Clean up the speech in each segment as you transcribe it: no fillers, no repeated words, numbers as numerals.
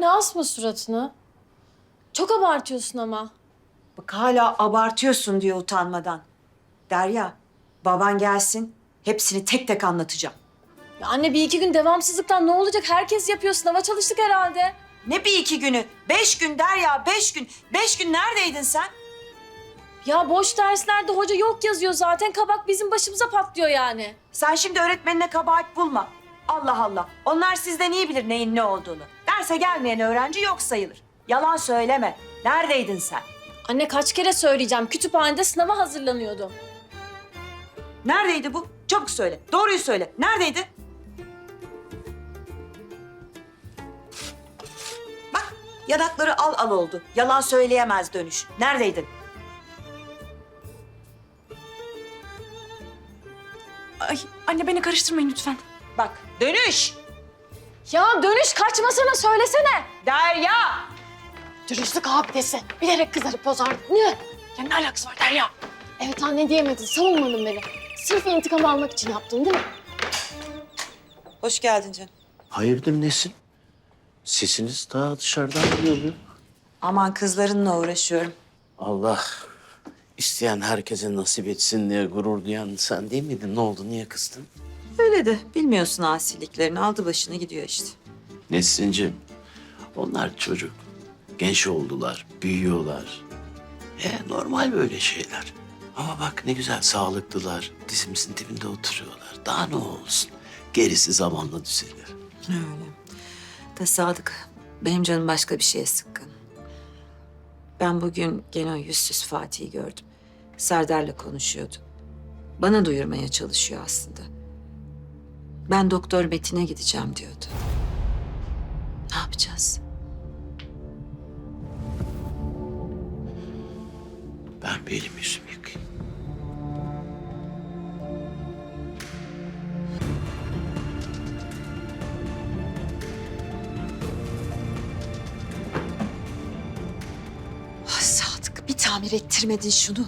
anne asma suratını. Çok abartıyorsun ama. Bak hala abartıyorsun diyor utanmadan. Derya, baban gelsin. Hepsini tek tek anlatacağım. Ya anne bir iki gün devamsızlıktan ne olacak? Herkes yapıyor. Sınava çalıştık herhalde. Ne bir iki günü? 5 gün Derya, 5 gün. 5 gün neredeydin sen? Ya boş derslerde hoca yok yazıyor zaten. Kabak bizim başımıza patlıyor yani. Sen şimdi öğretmenine kabahat bulma. Allah Allah. Onlar sizden iyi bilir neyin ne olduğunu. Derse gelmeyen öğrenci yok sayılır. Yalan söyleme. Neredeydin sen? Anne kaç kere söyleyeceğim. Kütüphanede sınava hazırlanıyordum. Neredeydi bu? Çabuk söyle. Doğruyu söyle. Neredeydi? Bak, yanakları al al oldu. Yalan söyleyemez dönüş. Neredeydin? Ay anne beni karıştırmayın lütfen. Bak, dönüş. Ya dönüş kaçmasana söylesene. Derya! Dürüstlük abidesi. Bilerek kızarıp bozardın. Ne? Ya ne alakası var Derya? Evet anne diyemedin. Savunmadın beni. Sırf intikam almak için yaptın değil mi? Hoş geldin canım. Hayırdır Nesin? Sesiniz daha dışarıdan geliyor. Aman kızlarınla uğraşıyorum. Allah isteyen herkese nasip etsin diye gurur duyan sen değil miydin? Ne oldu? Niye kızdın? Öyle de bilmiyorsun asiliklerini. Aldı başını gidiyor işte. Nesin'cim, onlar çocuk. Genç oldular, büyüyorlar. Normal böyle şeyler. Ama bak ne güzel sağlıklılar. Dizimizin dibinde oturuyorlar. Daha ne olsun? Gerisi zamanla düzelir. Öyle. Da Sadık, benim canım başka bir şeye sıkkın. Ben bugün gene o yüzsüz Fatih'i gördüm. Serdar'la konuşuyordu. Bana duyurmaya çalışıyor aslında. Ben Doktor Metin'e gideceğim diyordu. Ne yapacağız? Ben bir elimi yüzümü yıkayayım. Ah Sadık, bir tamir ettirmedin şunu.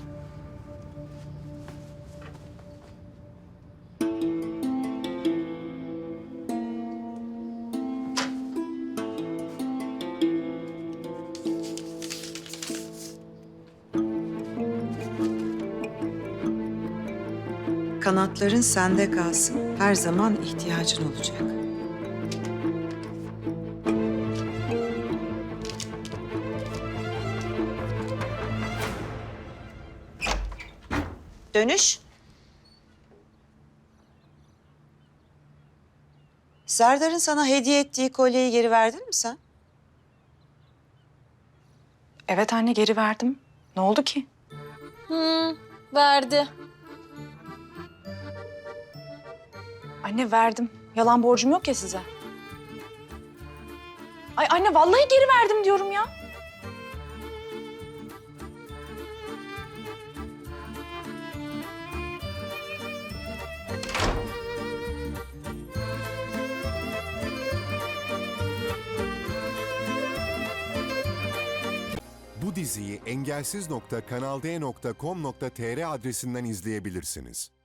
Kanatların sende kalsın. Her zaman ihtiyacın olacak. Dönüş. Serdar'ın sana hediye ettiği kolyeyi geri verdin mi sen? Evet anne geri verdim. Ne oldu ki? Verdi. Anne verdim. Yalan borcum yok ya size. Ay anne vallahi geri verdim diyorum ya. Bu diziyi engelsiz.kanalde.com.tr adresinden izleyebilirsiniz.